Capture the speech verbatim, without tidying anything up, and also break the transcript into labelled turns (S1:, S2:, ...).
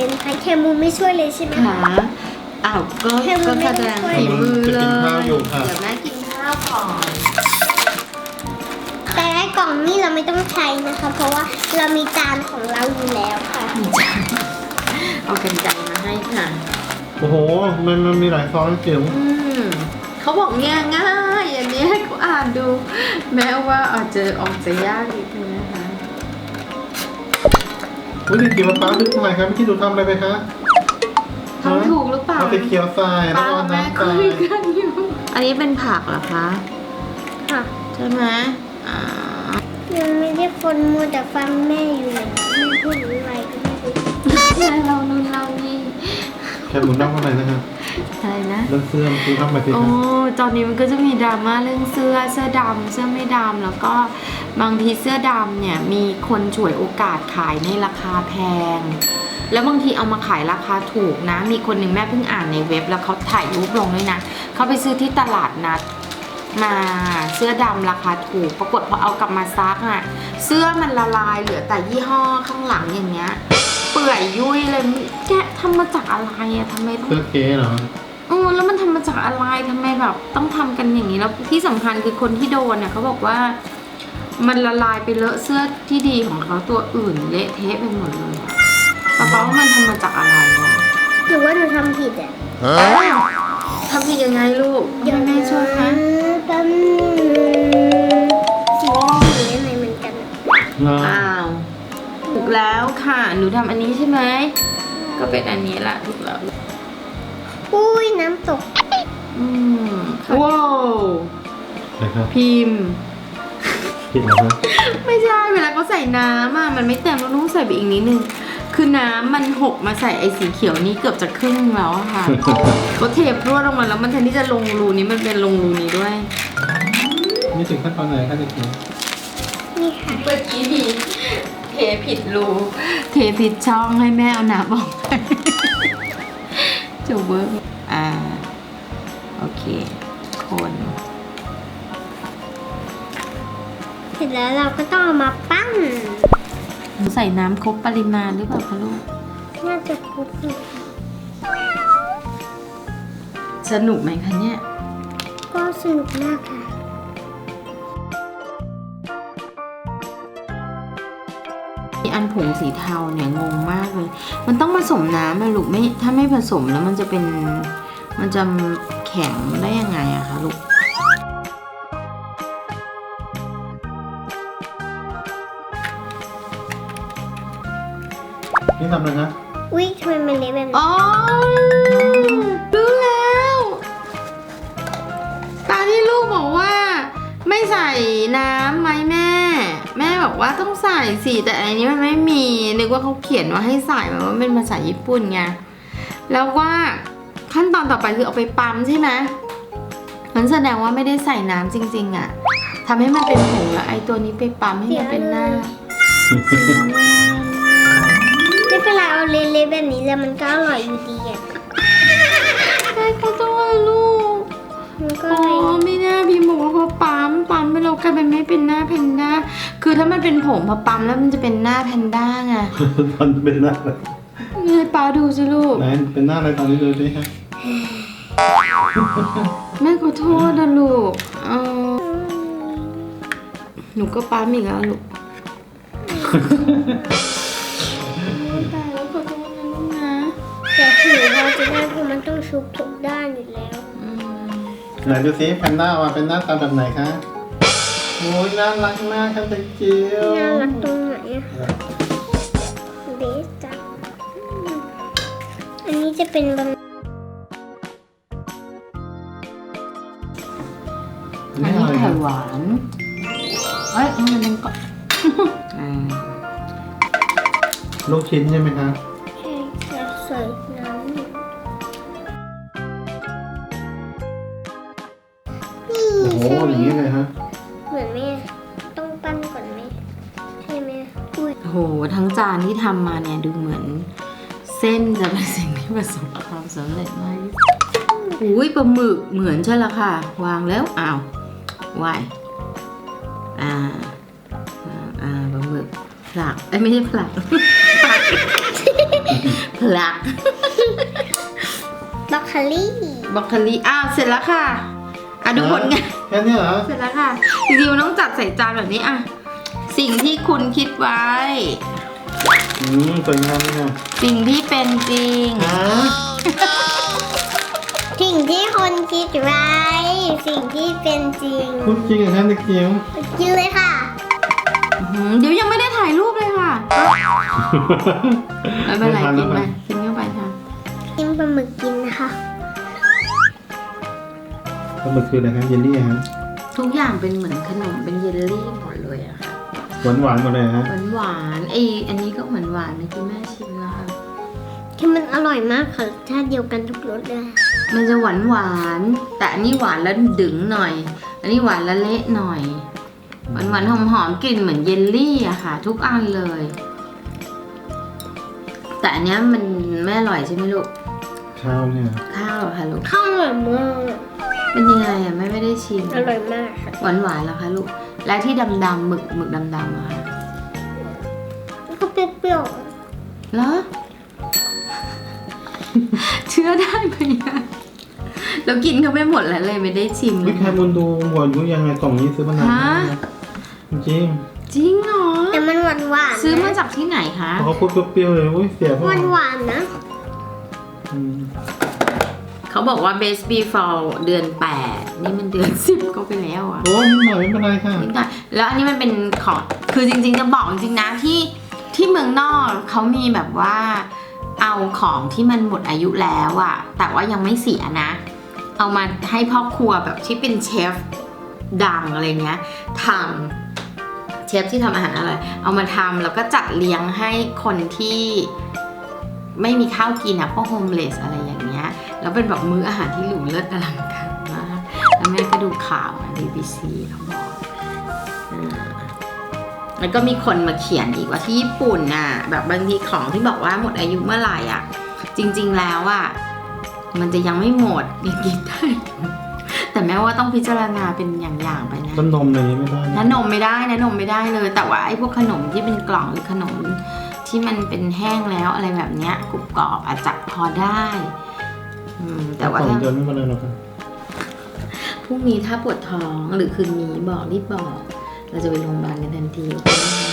S1: เลยนะคะแคมูไม่ช่วยเลยใช่ไหม
S2: หาอ้าวก็ก็แสดงฝีมือเลยเดี๋ยวแม่กินข้าวก่อน
S1: แต่ไอ้กล่องนี้เราไม่ต้องใช้นะคะ เพราะว่าเรามีจานของเราอยู่แล้วค่ะ
S2: เอากันไกรมาให้ค่ะ
S3: โอ้โหมันมันมีหลายซองเกี่ยว
S2: อืมเขาบอกเนี่ยง่ายอันนี้ให้กูอ่านดู แม้ว่าอาจจะออกจะยากนิดนึงนะคะ
S3: อุ้ยเด็กเกี่ยวกับป้าดึกทำไมครับพี่ดูทำอะไรไปคะ
S2: ทำถูกหรือเปล่า
S3: เอาไปเคี่ยวทรายแล้ว
S2: ป้า
S3: ก็
S2: กับแม่
S3: น้ำท
S2: คุ
S3: ราย
S2: ยกันอยู่อันนี้เป็นผักเหรอคะ
S1: ค่ะ
S2: ใช่ไหมอ่า
S1: ยังไม่ได้คนมัวแต่ฟังแม่อยู่เลยแม่พูดอะไรก็ไม่รู้
S2: แม่เรานู่นเรานี่
S3: แค่หมุนนั่งข้างในนะครับ
S2: อะไรนะ
S3: เรื่องเสื้อคือทำไปสิค
S2: โอ้
S3: รับ
S2: ตอนนี้มันก็จะมีดราม่าเรื่องเสื้อ เสื้อดำ เสื้อไม่ดำ แล้วก็บางทีเสื้อดำเนี่ยมีคนฉวยโอกาสขายในราคาแพง แล้วบางทีเอามาขายราคาถูกนะ มีคนหนึ่งแม่เพิ่งอ่านในเว็บแล้วเขาถ่ายรูปลงด้วยนะ เขาไปซื้อที่ตลาดนัดมาเสื้อดำราคาถูก ปรากฏพอเอากลับมาซักอ่ะ เสื้อมันละลายเหลือแต่ยี่ห้อข้างหลังอย่างเงี้ย เปื่อยยุ่ยเลย แกะทำมาจากอะไรอะทำไมต้อง
S3: เสื้อเก๋เหรอ
S2: เออแล้วมันทำมาจากอะไรทำไมแบบต้องทำกันอย่างนี้แล้วที่สำคัญคือคนที่โดนเนี่ยเขาบอกว่า มันละลายไปเลอะเสื้อที่ดีของเขาตัวอื่นเละเทะไปหมดเลยอะแต่เขาว่ามันทำมาจากอะไรวะ
S1: หรือว่าหนูทำผิดอ่ะ
S2: ทำผิดยังไงลูกให้แม่ช่วยคะ
S1: แป๊บนึงสีมันสีอะไรเหมือนกันอะ
S3: เหรอ
S2: อ้าวถูกแล้วค่ะหนูทำอันนี้ใช่ไหมก็เป็นอันนี้แหละถูกแล้ว
S1: อุ้ยน้ำตก
S2: อืมว้าว
S3: ใช่ครับ
S2: พิมพ์
S3: ผิดเหรอครับ
S2: ไม่ใช่เวลาเขาใส่น้ำอ่ะมันไม่เต็มเราต้องใส่ไปอีกนิดนึงคือน้ำมันหกมาใส่ไอ้สีเขียวนี้เกือบจะครึ่งแล้วอะค่ะ เขาเทพรวดลงมาแล้วมันแทนที่จะลงรูนี้มันเป็นลงรูนี้ด้วย
S3: นี่ถึงขั้นตอนไหนครับเด็กหญิง
S1: นี่ค่ะ
S2: เมื่อกี้มีเทผิดรูเทผิดช่องให้แม่เอาน้ำออกไปจะเวิร์กอ่าโอเคคน
S1: เสร็จแล้วเราก็ต้องเอามาปั้น
S2: ใส่น้ำครบปริมาณหรือเปล่าคะลูก
S1: น่าจะครบอยู่
S2: สนุกไหมคะเนี่ย
S1: ก็สนุกมากค่ะ
S2: มีอันผงสีเทาเนี่ยงงมากเลย มันต้องผสมน้ำอะลูกไม่ถ้าไม่ผสมแล้วมันจะเป็นมันจะแข็งได้ยังไงอะคะลูก
S3: นี่ทำอะไรนะ
S1: อุ้ยทำไมมันเละแบบนี้
S2: อ๋อรู้แล้วตอนที่ลูกบอกว่า ไม่ใส่น้ำไหมแม่ แม่บอกว่าต้องใส่สิแต่อันนี้มันไม่มีนึกว่าเขาเขียนว่าให้ใส่แบบว่าเป็นภาษาญี่ปุ่นไงแล้วว่าขั้นตอนต่อไปคือเอาไปปั๊มใช่ไหมมันแสดงว่าไม่ได้ใส่น้ำจริงๆอะทำให้มันเป็นผงแล้วไอ้ตัวนี้ไปปั๊มให้มันเป็นหน้า
S1: ไม่เป็นไรเอาเละๆแบบนี้แล้วมันก็อร่อยอยู่ดีอ่ะ
S2: ใช่เขาต้องให้ลูก
S1: มันก็
S2: อ๋อ
S1: เลย
S2: ไม่น่าพี่บอกว่าพอปั๊มปั๊มไปแล้วกลายเป็นไม่เป็นหน้าแพนด้าคือถ้ามันเป็นผงพอปั๊มแล้วมันจะเป็นหน้าแพนด้าไง
S3: ตอนเป็นหน้าอะไร
S2: นี่ให้ป้าดูสิลูก
S3: ไหนเป็นหน้าอะไรตอนนี้ดูสิครับ
S2: แม่ขอโทษนะลูกเออหนูก็ปั๊มอีกแล้วลูกตายแล้วขอโทษนะลูกนะ
S1: แต่ถือเราจะได้เพราะมันต้องชุบทุกด้านอยู่แล้ว
S2: อืม
S3: ไหนดูสิแพนด้าว่าเป็นหน้าตาแบบไหนคะโอ้ยน่ารักมากครับเด็กจิ๋ว
S1: น่ารักตรงไหนอะเบสจังอันนี้จะเป็นบะ
S2: อันนี้ไข่หวานเอ้ยมันเป็นก่อนอ่า
S3: ลูกชิ้นใช่ไหมคะ
S1: ใช่จะใส่น้ำนี่
S3: โอ้โห
S1: ใช่ไหม
S3: อย่างนี้เลยฮะ
S1: เหมือนแม่ต้องปั้นก่อนไหมใช่ไหมอุ้ย
S2: โหทั้งจานที่ทำมาเนี่ยดูเหมือน เส้นจะเป็นสิ่งที่ประสบความสำเร็จมากที่สุดอุ้ยปลาหมึกเหมือนใช่ละค่ะ วางแล้วอ้าววายอ่าอ่าอ่าปลาหมึกผลักเอ้ยไม่ใช่ผลักผลักพลัก
S1: บรอกโคลี่
S2: บรอกโคลีอ้าวเสร็จแล้วค่ะอ่ะดูผลงาน
S3: แค่นี้เหรอ
S2: เสร็จแล้วค่ะจริงๆมันต้องจัดใส่จานแบบนี้อ่ะสิ่งที่คุณคิดไว้
S3: อืมสวยงามเลยนะ
S2: สิ่งที่เป็นจริง
S3: ฮะ
S1: สิ่งที่คนคิดไว้ สิ่งที่เป็นจริง
S3: พูดจริงเหรอคะเด็กจิ๋ว
S1: กินเลยค่ะ
S2: อื้อหือเดี๋ยวยังไม่ได้ถ่ายรูปเลยค่ะไม่เป็นไรกินไปกินเข้าไปค่ะ
S1: กินปลาหมึกกินนะคะ
S3: ปลาหมึกคืออะไรครับเยลลี่ฮะ
S2: ทุกอย่างเป็นเหมือนขนมเป็นเยลลี่หมดเลยอะค่ะ
S3: หวานหวานๆหมดเลยฮะ
S2: หวานหวานๆไออันนี้ก็เหมือนหวานเมื่อกี้แม่ชิมแล้วค่ะ
S1: คือมันอร่อยมากค่ะรสชาติเดียวกันทุกรสเลย
S2: มันจะหวานหวานๆแต่อันนี้หวานแล้วดึงหน่อย อันนี้หวานแล้วเละหน่อยหวานหวานหอมหอมๆกลิ่นเหมือนเยลลี่อะค่ะ ทุกอันเลย แต่อันเนี้ยมันไม่อร่อยใช่ไหมลูก
S3: ข้าวเนี่ย
S2: ข้าวเหรอคะลูก
S1: ข้าวอร่อยมาก
S2: เป็นยังไงอะแม่ไม่ได้ชิม
S1: อร่อยมากค่ะ
S2: หวานหวานๆเหรอคะลูกและที่ดำๆหมึกหมึกดำๆอะค่ะ
S1: แล้วก็เปรี้ยว
S2: เหรอ เชื่อได้ไหมอะเรากินเขาไม่หมดแล้วเลยไม่ได้ชิมเล
S3: วิ
S2: ย
S3: แคมุนดูหัวอายุยังไงกล่องนี้ซื้อมานาน
S2: ฮะ
S3: จริง
S2: จริงเหรอ
S1: ๆแต่มันหวานหวานๆ
S2: ซื้อมาจากที่ไหนคะ
S3: ๆเขาพูดเปรี้ยวๆเลยโอ้ยเสียพ่อ
S1: หวานหวานๆนะ
S3: อืม
S2: เขาบอกว่า best before เดือนแปดนี่มันเดือนสิบก็ไปแล้วอะ
S3: โอ้ยนิดหน่อยไม่เป็นไรค่ะ
S2: นิดหน่อยแล้วอันนี้มันเป็นของคือจริงๆจะบอกจริงๆนะที่ที่เมืองนอกเขามีแบบว่าเอาของที่มันหมดอายุแล้วอะแต่ว่ายังไม่เสียนะ เอามาให้พ่อครัวแบบที่เป็นเชฟดังอะไรเงี้ยทำเชฟที่ทำอาหารอร่อยเอามาทำแล้วก็จัดเลี้ยงให้คนที่ไม่มีข้าวกินอะพวกโฮมเลสอะไรอย่างเงี้ยแล้วเป็นแบบมื้ออาหารที่หรูเลิศอลังการมากแล้วแม่ก็ดูข่าวนะ บี บี ซี เขาบอกอ่าแล้วก็มีคนมาเขียนอีกว่าที่ญี่ปุ่นน่ะแบบบางทีของที่บอกว่าหมดอายุเมื่อไหร่อ่ะจริงๆแล้วอ่ะมันจะยังไม่หมดยังกินได้อยู่แต่แม้ว่าต้องพิจารณาเป็นอย่างๆไปนะ
S3: ต้นนมอะไรอย่างนี้ไม่ได้
S2: น้านมไม่ได้นะนมไม่ได้เลย แต่ว่าไอ้พวกขนมที่เป็นกล่องหรือขนมที่มันเป็นแห้งแล้วอะไรแบบเนี้ยกรุบกรอบอาจจะพอได้อืมแต่ว่า
S3: สอง
S2: ถ้า
S3: เดือนไม่เป็นไรหรอกค่ะ
S2: พรุ่งนี้ถ้าปวดท้องหรือคืนนี้บอกรีบบอก เราจะไปโรงพยาบาลกันทันทีโอเคไหมคะ